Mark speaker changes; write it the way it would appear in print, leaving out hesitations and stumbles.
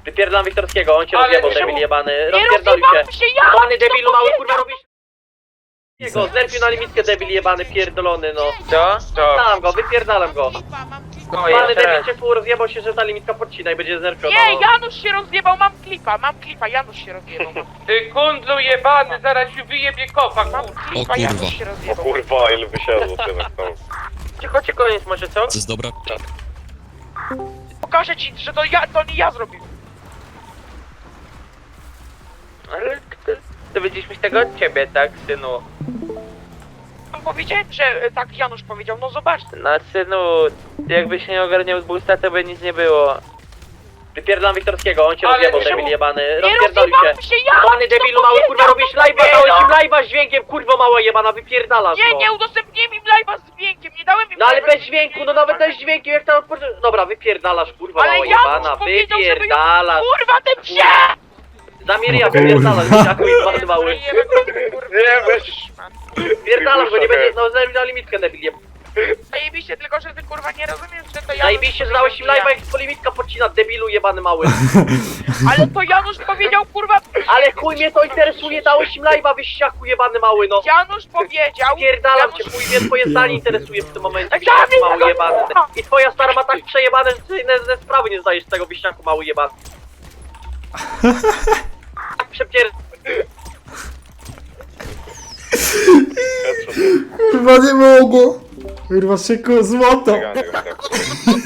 Speaker 1: Wypierdalam Wiktorskiego, on cię
Speaker 2: Ale
Speaker 1: rozjebał,
Speaker 2: czemu-
Speaker 1: debil jebany.
Speaker 3: Nie
Speaker 1: Rozpierdolił cię.
Speaker 3: rozjebałem się, ja!
Speaker 1: Pany debilu mały, kurwa robisz... Jego, zerpił na limitkę debil jebany, pierdolony, no.
Speaker 2: Co? Co?
Speaker 1: Znam go, wypierdalam go.
Speaker 2: No,
Speaker 1: Pany
Speaker 2: jeszcze
Speaker 1: debil
Speaker 2: raz.
Speaker 1: cię tu rozjebał się, że ta limitka podcina i będzie zerpiona.
Speaker 3: Nie, Janusz się rozjebał, mam klipa, Janusz się rozjebał.
Speaker 2: Ty kundlu jebany, zaraz ci wyjebie kopa,
Speaker 3: Mam
Speaker 2: kurwa.
Speaker 3: klipa,
Speaker 4: O kurwa.
Speaker 3: Janusz się rozjebał.
Speaker 5: Kurwa, ile wysiadło teraz tam.
Speaker 2: Cicho, koniec może, co?
Speaker 4: To jest dobra.
Speaker 3: Pokażę ci, że to nie ja zrobiłem.
Speaker 2: Ale dowiedzieliśmy się tego od ciebie, tak, synu?
Speaker 3: Powiedziałem, że tak Janusz powiedział, no zobacz.
Speaker 2: No, synu, jakbyś nie ogarniał z boosta, to by nic nie było.
Speaker 1: Wypierdalam Wiktorskiego, on cię
Speaker 2: Ale
Speaker 1: rozjebał,
Speaker 2: czemu-
Speaker 1: debil jebany.
Speaker 3: Nie
Speaker 1: Rozpierdolił cię.
Speaker 3: rozjebałem się, ja!
Speaker 1: Pany debilu mały, kurwa robisz live'a, dałeś im live'a z dźwiękiem, kurwa mała jebana, wypierdalasz
Speaker 3: Nie,
Speaker 1: go.
Speaker 3: nie udostępniłem im live'a z dźwiękiem, nie dałem im
Speaker 1: No ale
Speaker 3: live'a
Speaker 1: bez
Speaker 3: z
Speaker 1: dźwięku, no nawet bez dźwięku, jak tam odpocząć... Dobra, wypierdalasz, kurwa
Speaker 3: Ale
Speaker 1: mała
Speaker 3: Janusz
Speaker 1: jebana,
Speaker 3: powiedział, żeby ją...
Speaker 1: wypierdalasz.
Speaker 3: Kurwa, ty psie!
Speaker 1: Zamiria, wypierdalasz, dzieciaku jebany mały.
Speaker 2: Nie, weź.
Speaker 1: Wypierdalasz, bo nie będzie, no zajmij na limitkę debil jeb...
Speaker 3: Zajebiście, tylko że ty kurwa nie rozumiesz, że to Janusz...
Speaker 1: Zajebiście, że dałeś im live'a, jak po limitka podcina, debilu jebany mały.
Speaker 3: Ale to Janusz powiedział, kurwa...
Speaker 1: Ale chuj mnie to interesuje, dałeś im live'a, wyściaku jebany mały, no.
Speaker 3: Janusz powiedział...
Speaker 1: Pierdalam cię,
Speaker 3: Janusz-
Speaker 1: chuj mnie twoje zdanie interesuje w tym momencie,
Speaker 3: Tak,
Speaker 1: wyściaku
Speaker 3: tak,
Speaker 1: mały
Speaker 3: tak,
Speaker 1: jebany.
Speaker 3: tak.
Speaker 1: I twoja stara ma tak przejebane, że ty ze sprawy nie zdajesz z tego wyściaku mały jebany. Tak przepier...
Speaker 6: Kurwa nie mogło. Kurwa szyku złoto.
Speaker 5: Czekaj, tak.